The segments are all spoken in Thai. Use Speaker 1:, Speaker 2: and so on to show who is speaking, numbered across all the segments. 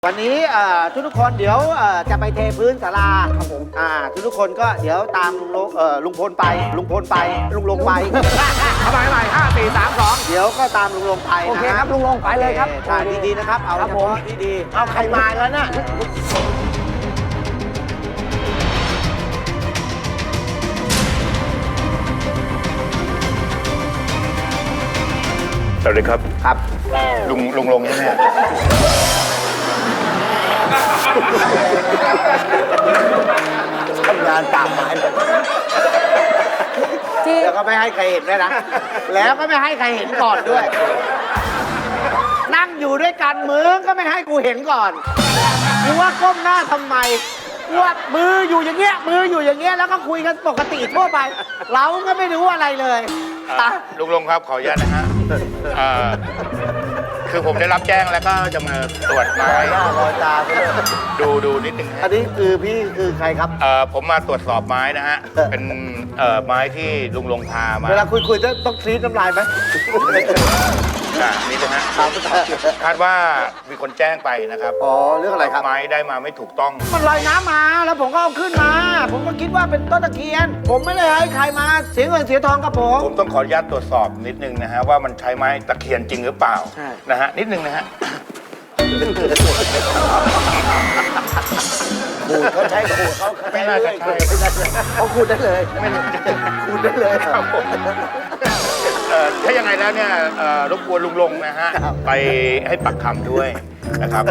Speaker 1: วันนี้ทุกคนเดี๋ยวจะไปเทพื้นศาลาครับผมทุกคนก็เดี๋ยวตามลุงพลไปลุงลงไปทำไม5 4 3 2เดี๋ยวก็ตามลุงลงไปโอเคครับลุงลงไปเลยครับถ่ายดีๆนะครับเอาเฉพาะดีๆเอาใครมาแล้วน่ะ
Speaker 2: สวัสดีครับ
Speaker 1: ครับ
Speaker 2: ลุงลงใช่ไหม
Speaker 1: ทำงานป่าไม้แล้วก็ไม่ให้ใครเห็นด้วยนะแล้วก็ไม่ให้ใครเห็นก่อนด้วยนั่งอยู่ด้วยกันมึงก็ไม่ให้กูเห็นก่อนกูว่าก้มหน้าทำไมกูว่ามืออยู่อย่างเงี้ยแล้วก็คุยกันปกติทั่วไปเราก็ไม่รู้อะไรเลย
Speaker 2: ลุงลงครับขออนุญาตนะฮะคือผมได้รับแจ้งแล้วก็จะมาตรวจไม้
Speaker 1: รอยตา
Speaker 2: ดูนิดนึง
Speaker 1: อันนี้คือพี่คือใครครับ
Speaker 2: ผมมาตรวจสอบไม้นะฮะเป็นไม้ที่ลุงลงพามา
Speaker 1: เวลาคุยต้องคลีนน้ำลายไหม
Speaker 2: นี่นะฮะคาดว่ามีคนแจ้งไปนะครับ
Speaker 1: เรื่องอะไรครับ
Speaker 2: ไม้ได้มาไม่ถูกต้อง
Speaker 1: มันลอยน้ำมาแล้วผมก็เอาขึ้นมาผมก็คิดว่าเป็นต้นตะเคียนผมไม่ได้ให้ใครมาเสียเงินเสียทองกับผม
Speaker 2: ต้องขออนุญาตตรวจสอบนิดนึงนะฮะว่ามันใช้ไม้ตะเคียนจริงหรือเปล่านะฮะนิดนึงนะฮะ
Speaker 1: เขาใช้ขูดเขา
Speaker 2: ไม่น่าจะใช่
Speaker 1: เขาขูดได้เลยขูดได้เลย
Speaker 2: ครับผมถ้ายังไงแล้วเนี่ยรบกวนลุงลงนะฮะไปให้ปักคำด้วยนะครับ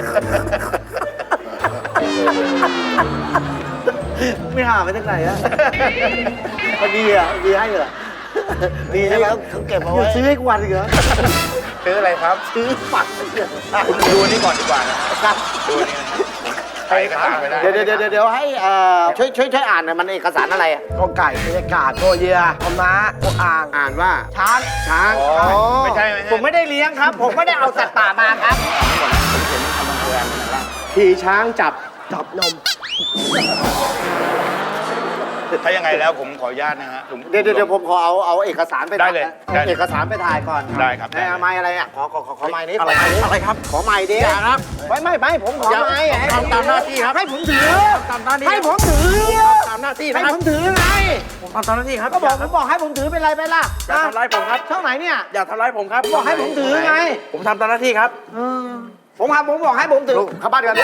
Speaker 1: ไม่หาไปจากไหนอะมันดีอ่ะดีให้เหรอดีใช่ไหมเขาเก็บเอาไว้ซื้อให้กูวันอีกเหรอ
Speaker 2: ซื้ออะไรครับ
Speaker 1: ซื้อฝัก
Speaker 2: คุณดูนี่ก่อนดีกว่านะครับดูนี่ใครก็ตามไปได้
Speaker 1: เดี๋ยวให้ช่วยอ่านหน่อยมันเอกสารอะไรอ่ะกอไก่บรรยากาศตัวเยียคอม้าตัวอ่านว่าช้าง
Speaker 2: ไม่ใช่
Speaker 1: ผมไม่ได้เลี้ยงครับผมไม่ได้เอาสัตว์ป่ามาครับขี่ช้างจับนม
Speaker 2: ถ้ายังไงแล้วผมขออนุญาตนะฮะ
Speaker 1: เดี๋ยวผมขอเอาเอกสารไป
Speaker 2: ได้เลย
Speaker 1: เอกสารไปถ่ายก่อน
Speaker 2: ได้ครับ
Speaker 1: ไม้อะไรอ่ะขอไม้นี้
Speaker 2: อะไรครับ
Speaker 1: ขอไม้ดิ
Speaker 2: ครับ
Speaker 1: ไม่ผมขอไม้
Speaker 2: ทำตามหน้าที่ครับ
Speaker 1: ให้ผมถือให้ผมถือ
Speaker 2: ตามหน้าที่
Speaker 1: ให้ผมถือไง
Speaker 2: ผมทำตามหน้าที่ครับ
Speaker 1: ก็บอกให้ผมถือเป็นไรไปล่ะ
Speaker 2: อย่าทำร้ายผมครับ
Speaker 1: ช่องไหนเนี่ย
Speaker 2: อย่าทำร้ายผมครับ
Speaker 1: บอกให้ผมถือไง
Speaker 2: ผมทำตามหน้าที่ครับ
Speaker 1: ผมบอกให้ผมถือเข้าบ้านกัน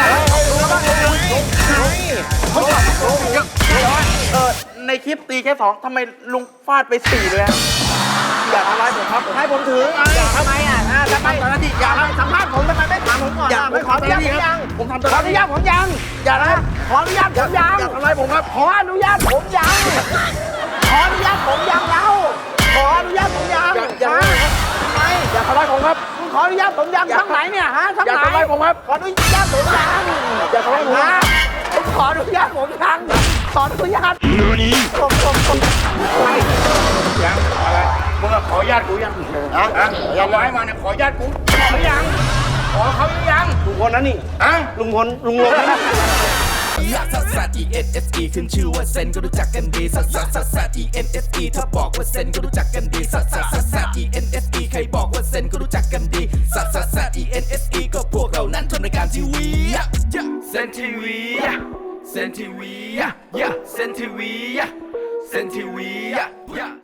Speaker 2: ในคลิปตีแค่2ทำไมลุงฟาดไป4เลยอย่าทำร้ายผมครับ
Speaker 1: ให้ผมถือทำไมอ่ะ
Speaker 2: ทำตามหน้าที่อย่า
Speaker 1: สัมภาษณ์ผมทำไมไม่ถามผมก่อน
Speaker 2: ไม่ขออนุญาตยัง
Speaker 1: ผมทำขออนุญาตผมยัง
Speaker 2: อย่านะ
Speaker 1: ขออนุญาตผมยัง
Speaker 2: อย่าทำร้ายผมครับ
Speaker 1: ขออนุญาตผมยังขออนุญาตผมยังแล้วขออนุญาตผมยัง
Speaker 2: อย่า
Speaker 1: ทำไม
Speaker 2: อย่าทำร้ายผมครับ
Speaker 1: ขออนุญาตผมยังทั้งไหนเนี่ยฮะทั้งไหน
Speaker 2: อย่าทำร้ายผมครับ
Speaker 1: ขออนุญาตผมยัง
Speaker 2: อย่าทำร้ายผม
Speaker 1: ขออนุญาตผมยังขออนุญาต
Speaker 2: ยังอะไรมึงขออนุญาตกูยังอย่าร้อยมาเนี่ยขออนุญาตกูขอยังขอเขายัง
Speaker 1: ลุงพลนั่นนี่ลุงลง
Speaker 3: ลักซัสซัส ENSE ขึ้นชื่อว่าเซนก็รู้จักกันดีซัสซัสซัสซัส ENSE ถ้าบอกว่าเซนก็รู้จักกันดีซัสซัสซัสซัส ENSE ใครบอกว่าเซนก็รู้จักกันดีซัสซัสซัส ENSE ก็พวกเรานั้นทำรายการทีวีเซนทีวีเซนทีวีเซนทีวีเซนทีวี